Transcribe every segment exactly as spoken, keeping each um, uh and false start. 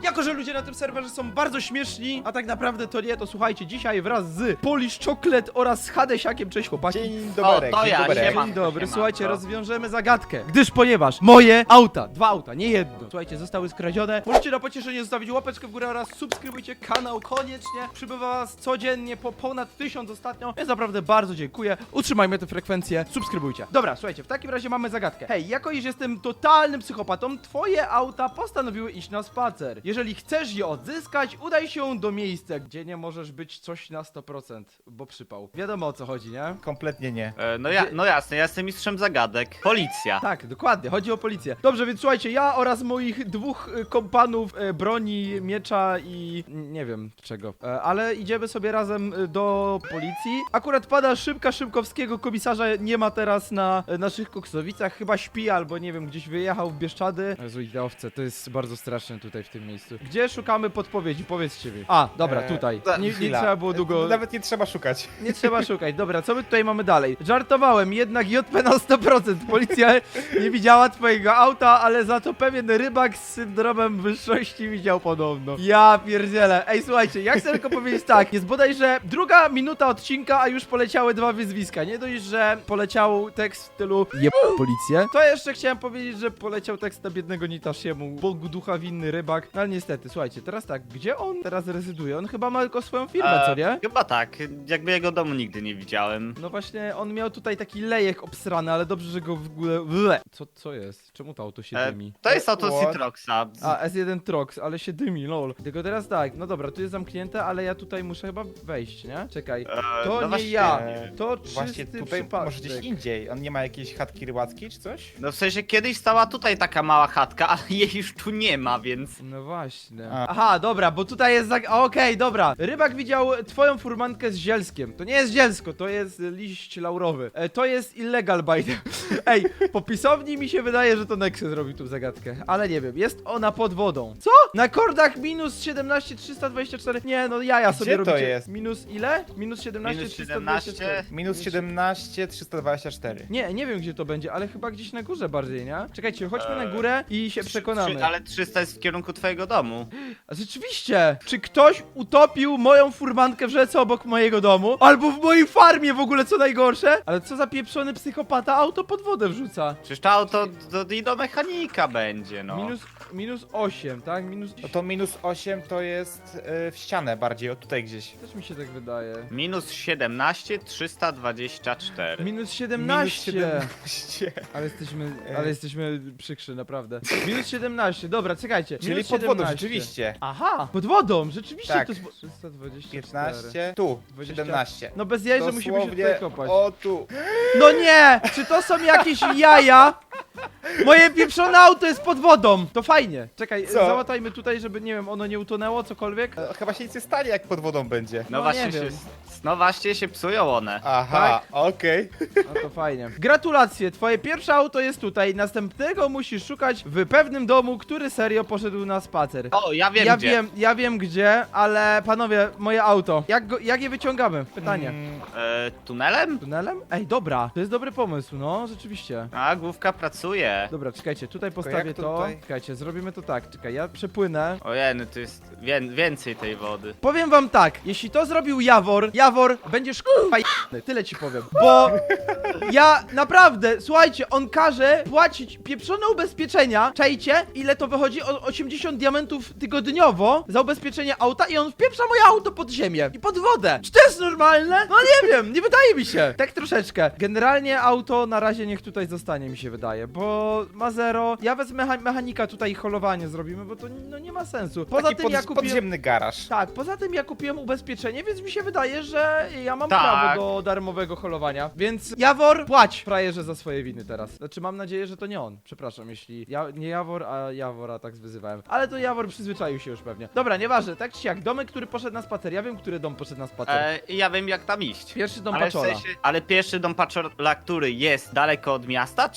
Jako że ludzie na tym serwerze są bardzo śmieszni, a tak naprawdę to nie, to słuchajcie, dzisiaj wraz z Polish Chocolate oraz z Hadesiakiem, cześć chłopaki. Dzień dobry, O, to dzień ja, dobry. siema. Dzień dobry, Siema, słuchajcie, no. rozwiążemy zagadkę, gdyż ponieważ moje auta, dwa auta, nie jedno, słuchajcie, zostały skradzione. Możecie na pocieszenie zostawić łapeczkę w górę oraz subskrybujcie kanał koniecznie. Przybywa was codziennie po ponad tysiąc ostatnio, więc naprawdę bardzo dziękuję. Utrzymajmy tę frekwencję, subskrybujcie. Dobra, słuchajcie, w takim razie mamy zagadkę. Hej, jako iż jestem totalnym psychopatą, twoje auta postanowiły iść na spacer. Jeżeli chcesz je odzyskać, udaj się do miejsca, gdzie nie możesz być coś na sto procent, bo przypał. Wiadomo o co chodzi, nie? Kompletnie nie. E, no, ja, no jasne, ja jestem mistrzem zagadek. Policja. Tak, dokładnie, chodzi o policję. Dobrze, więc słuchajcie, ja oraz moich dwóch y, kompanów e, broni, miecza i n- nie wiem czego, e, ale idziemy sobie razem y, do policji. Akurat pada szybka Szymkowskiego, komisarza nie ma teraz na e, naszych Koksowicach, chyba śpi albo nie wiem, gdzieś wyjechał w Bieszczady. Jezu, ideowce, to jest bardzo straszne tutaj w tym miejscu. Gdzie szukamy podpowiedzi, powiedzcie mi. A, dobra, Eee, tutaj. za- Nie, nie Chwila. trzeba było długo... Nawet nie trzeba szukać. Nie trzeba szukać. Dobra, co my tutaj mamy dalej? Żartowałem, jednak J P na sto procent. Policja nie widziała twojego auta, ale za to pewien rybak z syndromem wyższości widział podobno. Ja pierdzielę. Ej, słuchajcie, ja chcę tylko powiedzieć tak. Jest bodajże druga minuta odcinka, a już poleciały dwa wyzwiska. Nie dość, że poleciał tekst w stylu jeb policję, to jeszcze chciałem powiedzieć, że poleciał tekst na biednego Nitashiemu, Bogu ducha winny rybak. No ale niestety, słuchajcie, teraz tak, gdzie on teraz rezyduje? On chyba ma tylko swoją firmę, co nie? Chyba tak, jakby jego domu nigdy nie widziałem. No właśnie, on miał tutaj taki lejek obsrany, ale dobrze, że go w ogóle... Ble. Co, co jest? Czemu to auto się E, dymi? to jest auto What? Citroxa. A, S jeden Trox, ale się dymi, lol. Tylko teraz tak, no dobra, tu jest zamknięte, ale ja tutaj muszę chyba wejść, nie? Czekaj, E, to no nie właśnie, ja, nie wiem. to czysty Właśnie tutaj przypadek. może gdzieś indziej. On nie ma jakiejś chatki rybackiej czy coś? No w sensie kiedyś stała tutaj taka mała chatka, ale jej już tu nie ma, więc... No właśnie. A. Aha, dobra, bo tutaj jest zag... Okej, dobra. Rybak widział twoją furmankę z zielskiem. To nie jest zielsko, to jest liść laurowy. E, to jest illegal bite. Ej, po pisowni mi się wydaje, że to Nexus zrobił tu zagadkę. Ale nie wiem, jest ona pod wodą. Co? Na kordach minus siedemnaście trzysta dwadzieścia cztery. Nie, no jaja Gdzie sobie to robicie. jest? Minus ile? Minus siedemnaście Minus trzysta dwadzieścia cztery. siedemnaście. Minus siedemnaście trzysta dwadzieścia cztery. Nie, nie wiem gdzie to będzie, ale chyba gdzieś na górze bardziej, nie? Czekajcie, chodźmy na Eee, górę i się przekonamy. Trzy, ale trzysta jest w kierunku twojego domu. A rzeczywiście! Czy ktoś utopił moją furmankę w rzece obok mojego domu? Albo w mojej farmie w ogóle, co najgorsze? Ale co za pieprzony psychopata auto pod wodę wrzuca? Przecież to auto do, do, do mechanika będzie, no. Minus, minus osiem, tak? Minus... No to minus osiem to jest y, w ścianę bardziej, o tutaj gdzieś. Też mi się tak wydaje. Minus siedemnaście trzysta dwadzieścia cztery. Minus siedemnaście! Minus siedemnaście. Ale jesteśmy, E. ale jesteśmy przykrzy, naprawdę. Minus siedemnaście, dobra, czekajcie. Czyli Minus pod wodą, siedemnaście. rzeczywiście. Aha, pod wodą, rzeczywiście Tak. to jest... trzysta dwadzieścia cztery. piętnaście. Tu, dwadzieścia. siedemnaście. No bez jaj, że musimy się tutaj kopać. O tu. No nie! Czy to są jakieś jaja? Moje pieprzone auto jest pod wodą! To fajnie. Czekaj, Co? załatajmy tutaj, żeby, nie wiem, ono nie utonęło, cokolwiek. E, Chyba się nic nie stanie jak pod wodą będzie. No, No, właśnie nie się, wiem. no właśnie się psują one. Aha, okej. No to fajnie. Gratulacje, twoje pierwsze auto jest tutaj. Następnego musisz szukać w pewnym domu, który serio poszedł na spacer. O, ja wiem ja gdzie. wiem, ja wiem gdzie, ale panowie, moje auto. Jak, go, jak je wyciągamy? Pytanie. Mm, E, tunelem? Tunelem? Ej, dobra, to jest dobry pomysł, no, rzeczywiście. A, główka pracuje. Dobra, czekajcie, tutaj postawię jak to to. tutaj? Czekajcie, zrobimy to tak. Czekaj, ja przepłynę. Ojej, no to jest wię więcej tej wody. Powiem wam tak, jeśli to zrobił Jawor, Jawor, będziesz k***a j***ny, tyle ci powiem. Bo ja naprawdę, słuchajcie, on każe płacić pieprzone ubezpieczenia, czajcie, ile to wychodzi? O osiemdziesiąt diamentów tygodniowo za ubezpieczenie auta i on wpieprza moje auto pod ziemię i pod wodę. Czy to jest normalne? No nie wiem, nie wydaje mi się. Tak troszeczkę. Generalnie auto na razie niech tutaj zostanie, mi się wydaje, bo ma zero. Ja wezmę mecha mechanika tutaj i holowanie zrobimy, bo to no, nie ma sensu. Poza taki tym pod, ja kupiłem... podziemny garaż. Tak, poza tym ja kupiłem ubezpieczenie, więc mi się wydaje, że ja mam Tak. prawo do darmowego holowania. Więc Jawor, płać frajerze za swoje winy teraz. Znaczy mam nadzieję, że to nie on. Przepraszam, jeśli ja, nie Jawor, a Jawora tak wyzywałem. Ale to Jawor przyzwyczaił się już pewnie. Dobra, nieważne, tak czy jak, domek, który poszedł na spacer. Ja wiem, który dom poszedł na spacer. E, ja wiem jak tam iść. Pierwszy dom Ale, w Paczola. sensie, ale pierwszy dom Paczola, który jest daleko od miasta, czy ten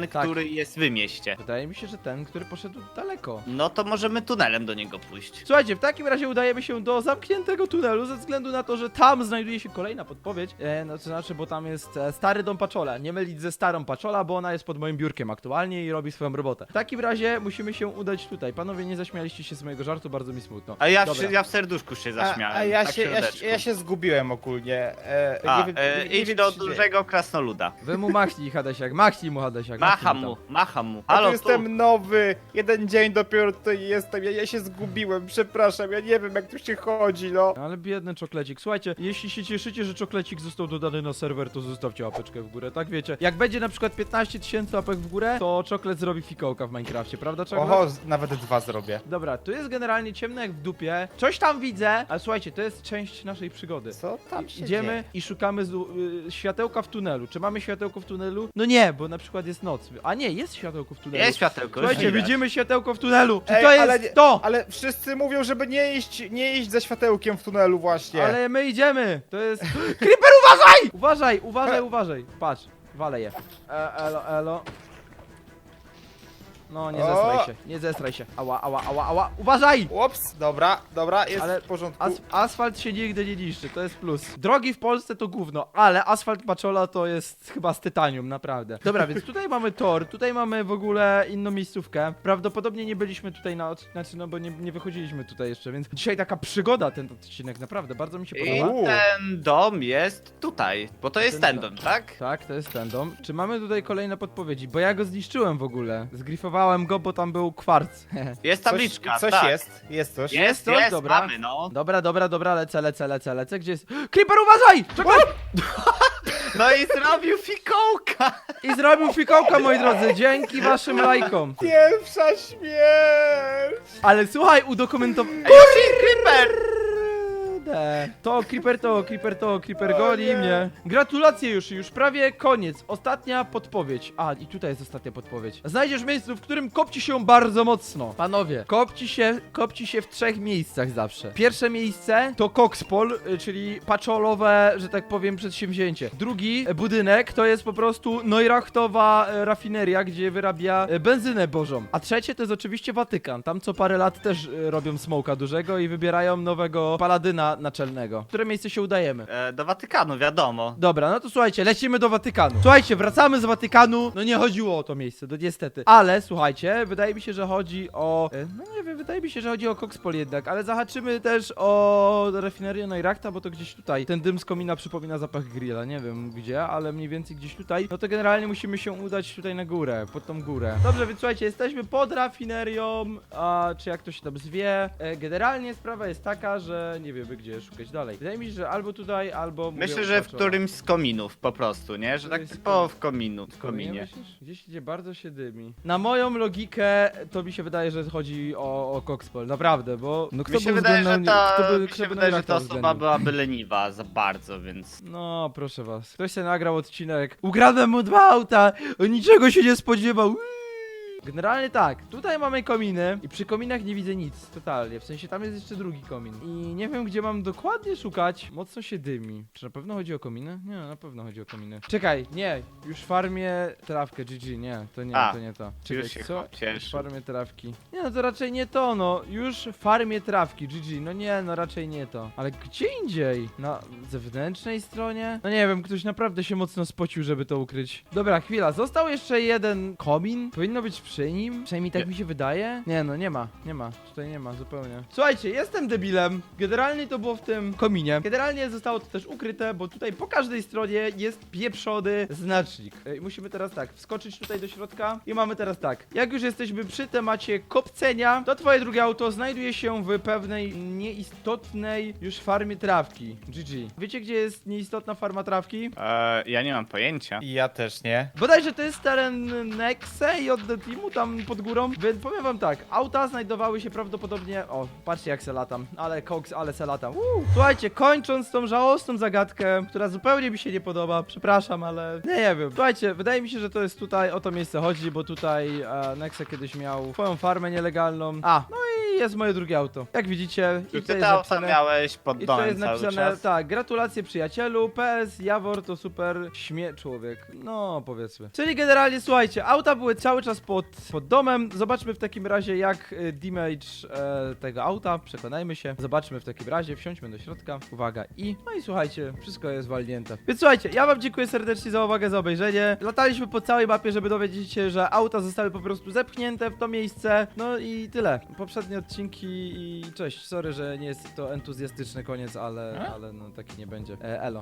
ten, Tak. który jest w mieście. Wydaje mi się, że ten, który poszedł daleko. No to możemy tunelem do niego pójść. Słuchajcie, w takim razie udajemy się do zamkniętego tunelu, ze względu na to, że tam znajduje się kolejna podpowiedź. E, no to znaczy, bo tam jest e, stary dom Paczola. Nie mylić ze starą Paczola, bo ona jest pod moim biurkiem aktualnie i robi swoją robotę. W takim razie musimy się udać tutaj. Panowie, nie zaśmialiście się z mojego żartu, bardzo mi smutno. A ja, Dobra. w, ja w serduszku się A, zaśmiałem. a ja, tak się, ja, się, środeczku. ja się zgubiłem ogólnie. E, A, nie wiem- e, nie- nie idź wiem, do co się dzieje. dużego krasnoluda. Wy mu machnij, Hadesiak, machnij mu, Hadesiak. Macham machnij mu, macham mu. Ja tu Halo, tu. jestem nowy, jeden dzień dopiero tutaj jestem, ja, ja się zgubiłem, przepraszam, ja nie wiem jak tu się chodzi, no. tam. Ale biedny czoklecik. Słuchajcie, jeśli się cieszycie, że czoklecik został dodany na serwer, to zostawcie łapeczkę w górę, tak wiecie. Jak będzie na przykład piętnaście tysięcy łapek w górę, to czoklet zrobi fikołka w Minecrafcie, prawda czoklet? Oho, z- nawet dwa zrobię. Dobra, tu jest generalnie ciemno jak w dupie. Coś tam widzę, ale słuchajcie, to jest część naszej przygody. Co tam się Idziemy dzieje? i szukamy z, y, światełka w tunelu. Czy mamy światełko w tunelu? No nie, bo na przykład jest noc. A nie, jest światełko w tunelu. Jest światełko, już Słuchajcie, widać. widzimy światełko w tunelu. Czy Ej, to jest ale nie- to? Ale wszyscy mówią, żeby nie iść, nie iść ze światełkiem w tunelu właśnie. Ale my idziemy. To jest... Creeper, uważaj! Uważaj, uważaj, uważaj. Patrz, walę je. E, elo, elo. No, nie O! zestraj się, nie zestraj się. Ała, ała, ała, ała. Uważaj! Ups, dobra, dobra, jest Ale w porządku. As asfalt się nigdy nie niszczy, to jest plus. Drogi w Polsce to gówno, ale asfalt Paczola to jest chyba z tytanium, naprawdę. Dobra, więc tutaj mamy tor, tutaj mamy w ogóle inną miejscówkę. Prawdopodobnie nie byliśmy tutaj na od... Znaczy, no bo nie, nie wychodziliśmy tutaj jeszcze, więc dzisiaj taka przygoda ten odcinek, naprawdę, bardzo mi się I podoba. U. ten dom jest tutaj, bo to jest Ten ten dom. dom, tak? Tak, to jest ten dom. Czy mamy tutaj kolejne podpowiedzi? Bo ja go zniszczyłem w ogóle. Zgrifowałem go, bo tam był kwarc. Jest tabliczka, Coś, coś tak. jest, jest coś. Jest, Jest coś? jest, Dobra. mamy, no. Dobra, dobra, dobra, lecę, lecę, lecę, lecę. Gdzie jest? Creeper, uważaj! Czekaj! No i zrobił fikołka. I zrobił fikołka, moi drodzy, dzięki waszym lajkom. Pierwsza śmierć! Ale słuchaj, udokumentowałem... Ej, już jest creeper. To Creeper to, Creeper to, Creeper O goli nie. mnie. Gratulacje już, już prawie koniec. Ostatnia podpowiedź. A, i tutaj jest ostatnia podpowiedź. Znajdziesz miejsce, w którym kopci się bardzo mocno. Panowie, kopci się, kopci się w trzech miejscach zawsze. Pierwsze miejsce to Coxpol, y, czyli paczolowe, że tak powiem, przedsięwzięcie. Drugi e, budynek to jest po prostu Neurachtowa e, rafineria, gdzie wyrabia e, benzynę bożą. A trzecie to jest oczywiście Watykan. Tam co parę lat też e, robią smoka dużego i wybierają nowego paladyna naczelnego. W które miejsce się udajemy? E, do Watykanu, wiadomo. Dobra, no to słuchajcie, lecimy do Watykanu. Słuchajcie, wracamy z Watykanu. No nie chodziło o to miejsce, no niestety. Ale słuchajcie, wydaje mi się, że chodzi o... e, No nie wiem, wydaje mi się, że chodzi o Coxpol jednak, ale zahaczymy też o rafinerię Neurachta, bo to gdzieś tutaj. Ten dym z komina przypomina zapach grilla, nie wiem gdzie, ale mniej więcej gdzieś tutaj. No to generalnie musimy się udać tutaj na górę, pod tą górę. Dobrze, więc słuchajcie, jesteśmy pod rafinerią, a czy jak to się tam zwie. E, generalnie sprawa jest taka, że nie wiemy gdzie szukać dalej. Wydaje mi się, że albo tutaj, albo... mówię, Myślę, że w Paczola. którymś z kominów po prostu, nie? Że To tak jest typowo w kominu, w Kominie kominie. myślisz? Gdzieś gdzie bardzo się dymi. Na moją logikę to mi się wydaje, że chodzi o, o Coxpol, naprawdę, bo no kto Mi się był wydaje, że względem- ta, kto by, mi kto się by wydaje, że Neurachta ta osoba uwzględnił? byłaby leniwa za bardzo, więc... No, proszę was. Ktoś sobie nagrał odcinek. Ukradłem mu dwa auta, on niczego się nie spodziewał. Uiii. Generalnie tak, tutaj mamy kominy i przy kominach nie widzę nic, totalnie, w sensie tam jest jeszcze drugi komin i nie wiem gdzie mam dokładnie szukać, mocno się dymi. Czy na pewno chodzi o kominy? Nie, na pewno chodzi o kominy. Czekaj, nie, już farmię trawkę, G G, nie, to nie, A, to nie to. już Czekaj, się co? cieszę. Już farmię trawki. Nie no, to raczej nie to, no, już farmię trawki, G G, no nie, no raczej nie to. Ale gdzie indziej? Na zewnętrznej stronie? No nie wiem, ktoś naprawdę się mocno spocił, żeby to ukryć. Dobra, chwila, został jeszcze jeden komin, powinno być przy nim, przynajmniej tak Nie. mi się wydaje. Nie no, nie ma, nie ma, tutaj nie ma zupełnie. Słuchajcie, jestem debilem, generalnie to było w tym kominie. Generalnie zostało to też ukryte, bo tutaj po każdej stronie jest pieprzony znacznik. Ej, musimy teraz tak, wskoczyć tutaj do środka i mamy teraz tak. Jak już jesteśmy przy temacie kopcenia, to twoje drugie auto znajduje się w pewnej nieistotnej już farmie trawki. G G. Wiecie gdzie jest nieistotna farma trawki? E, ja nie mam pojęcia. I ja też nie. Bodajże to jest teren Nexe i od The Teamu? domu tam pod górą, więc powiem wam tak, auta znajdowały się prawdopodobnie, o, patrzcie jak se latam, ale koks, ale se latam. Uuu. Słuchajcie, kończąc tą żałosną zagadkę, która zupełnie mi się nie podoba, przepraszam, ale nie, nie wiem. Słuchajcie, wydaje mi się, że to jest tutaj, o to miejsce chodzi, bo tutaj e, Nexe kiedyś miał swoją farmę nielegalną. A, no i jest moje drugie auto. Jak widzicie, i Ty tutaj te jest auta napisane... miałeś pod I to domem jest cały napisane, czas. tak, gratulacje przyjacielu, P S, Jawor to super śmie człowiek, no powiedzmy. Czyli generalnie, słuchajcie, auta były cały czas pod, pod domem, zobaczmy w takim razie jak y, damage e, tego auta, przekonajmy się, zobaczmy w takim razie, wsiądźmy do środka, uwaga i, no i słuchajcie, wszystko jest walnięte. Więc słuchajcie, ja wam dziękuję serdecznie za uwagę, za obejrzenie, lataliśmy po całej mapie, żeby dowiedzieć się, że auta zostały po prostu zepchnięte w to miejsce, no i tyle. Poprzednie odcinki i cześć, sorry, że nie jest to entuzjastyczny koniec, ale, ale no taki nie będzie. E, elo.